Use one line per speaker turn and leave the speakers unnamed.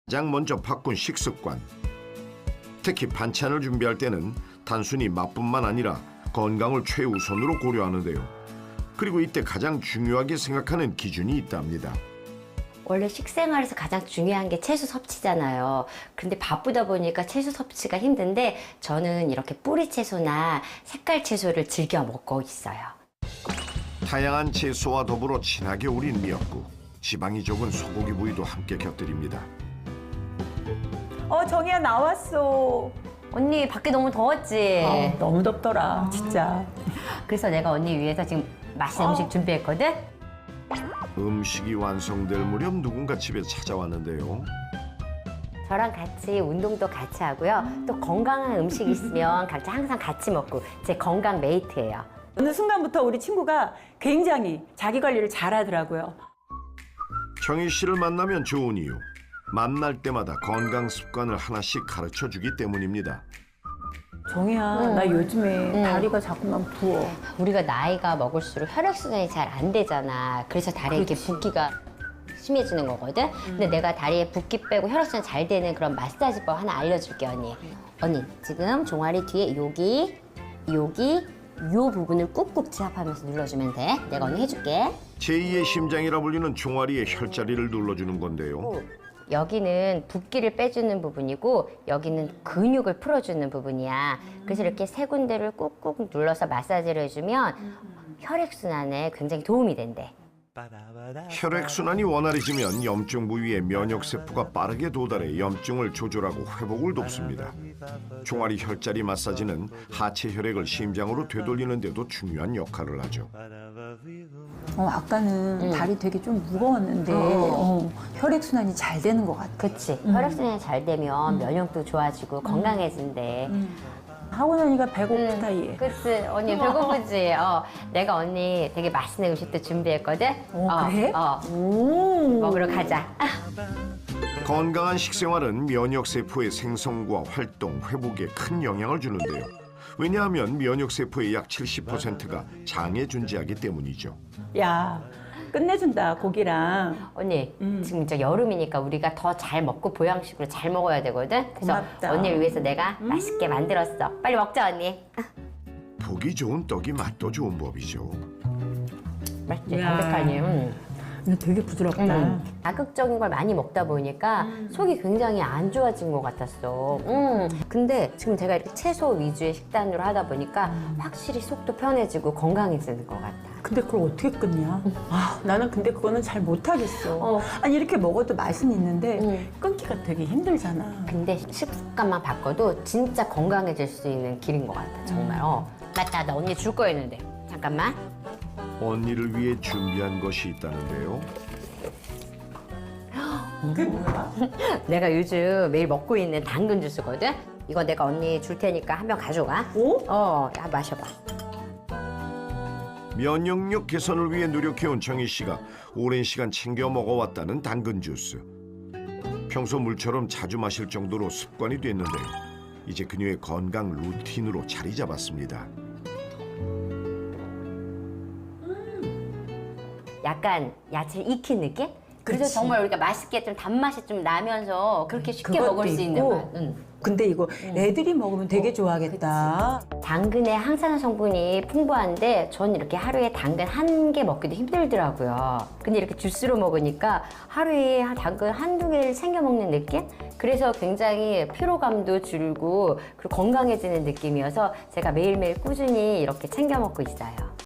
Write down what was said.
가장 먼저 바꾼 식습관. 특히 반찬을 준비할 때는 단순히 맛뿐만 아니라 건강을 최우선으로 고려하는데요. 그리고 이때 가장 중요하게 생각하는 기준이 있답니다.
원래 식생활에서 가장 중요한 게 채소 섭취잖아요. 근데 바쁘다 보니까 채소 섭취가 힘든데 저는 이렇게 뿌리 채소나 색깔 채소를 즐겨 먹고 있어요.
다양한 채소와 더불어 진하게 우린 미역국, 지방이 적은 소고기 부위도 함께 곁들입니다.
정희야 나왔어.
언니 밖에 너무 더웠지?
너무 덥더라, 진짜.
그래서 내가 언니 위해서 지금 맛있는 음식 준비했거든?
음식이 완성될 무렵 누군가 집에 찾아왔는데요.
저랑 같이 운동도 같이 하고요. 또 건강한 음식 있으면 각자 항상 같이 먹고 제 건강 메이트예요.
어느 순간부터 우리 친구가 굉장히 자기 관리를 잘하더라고요.
정희 씨를 만나면 좋은 이유. 만날 때마다 건강 습관을 하나씩 가르쳐주기 때문입니다.
정희야, 나 요즘에 다리가 자꾸만 부어.
우리가 나이가 먹을수록 혈액순환이 잘 안 되잖아. 그래서 다리에 이렇게 붓기가 심해지는 거거든? 근데 내가 다리에 붓기 빼고 혈액순환 잘 되는 그런 마사지법 하나 알려줄게, 언니. 언니, 지금 종아리 뒤에 여기, 요 부분을 꾹꾹 지압하면서 눌러주면 돼. 내가 언니 해줄게.
제2의 심장이라 불리는 종아리의 혈자리를 눌러주는 건데요.
여기는 붓기를 빼주는 부분이고 여기는 근육을 풀어주는 부분이야. 그래서 이렇게 세 군데를 꾹꾹 눌러서 마사지를 해주면 혈액순환에 굉장히 도움이 된대.
혈액순환이 원활해지면 염증 부위에 면역세포가 빠르게 도달해 염증을 조절하고 회복을 돕습니다. 종아리 혈자리 마사지는 하체 혈액을 심장으로 되돌리는 데도 중요한 역할을 하죠.
아까는 다리 되게 좀 무거웠는데 혈액순환이 잘 되는 것 같아.
그치. 혈액순환이 잘 되면 면역도 좋아지고 건강해진대.
하고 나니까 배고프다 얘.
그치. 언니 배고프지? 내가 언니 되게 맛있는 음식도 준비했거든?
그래?
먹으러 가자.
건강한 식생활은 면역세포의 생성과 활동, 회복에 큰 영향을 주는데요. 왜냐하면 면역세포의 약 70%가 장에 존재하기 때문이죠.
야, 끝내준다 고기랑.
언니, 지금 이제 여름이니까 우리가 더 잘 먹고 보양식으로 잘 먹어야 되거든? 그래서
고맙다.
언니를 위해서 내가 맛있게 만들었어. 빨리 먹자, 언니.
보기 좋은 떡이 맛도 좋은 법이죠.
맛있지?
야.
담백하니.
이거 되게 부드럽다.
자극적인 걸 많이 먹다 보니까 속이 굉장히 안 좋아진 것 같았어. 근데 지금 제가 이렇게 채소 위주의 식단으로 하다 보니까 확실히 속도 편해지고 건강해지는 것 같아.
근데 그걸 어떻게 끊냐? 나는 근데 그거는 잘 못하겠어. 아니 이렇게 먹어도 맛은 있는데 끊기가 되게 힘들잖아.
근데 식습관만 바꿔도 진짜 건강해질 수 있는 길인 것 같아, 정말. 맞다, 나 언니 줄 거였는데. 잠깐만.
언니를 위해 준비한 것이 있다는데요.
그게 뭐야?
내가 요즘 매일 먹고 있는 당근 주스거든? 이거 내가 언니 줄 테니까 한 병 가져가. 야, 마셔봐.
면역력 개선을 위해 노력해온 정희 씨가 오랜 시간 챙겨 먹어왔다는 당근 주스. 평소 물처럼 자주 마실 정도로 습관이 됐는데요. 이제 그녀의 건강 루틴으로 자리 잡았습니다.
약간 야채를 익힌 느낌? 그래서
그치.
정말 우리가 맛있게 좀 단맛이 좀 나면서 그렇게 쉽게
그것도
먹을 수 있는
있고.
맛.
근데 이거 애들이 먹으면 되게 좋아하겠다.
당근에 항산화 성분이 풍부한데 전 이렇게 하루에 당근 한 개 먹기도 힘들더라고요. 근데 이렇게 주스로 먹으니까 하루에 당근 한두 개를 챙겨 먹는 느낌? 그래서 굉장히 피로감도 줄고 그리고 건강해지는 느낌이어서 제가 매일매일 꾸준히 이렇게 챙겨 먹고 있어요.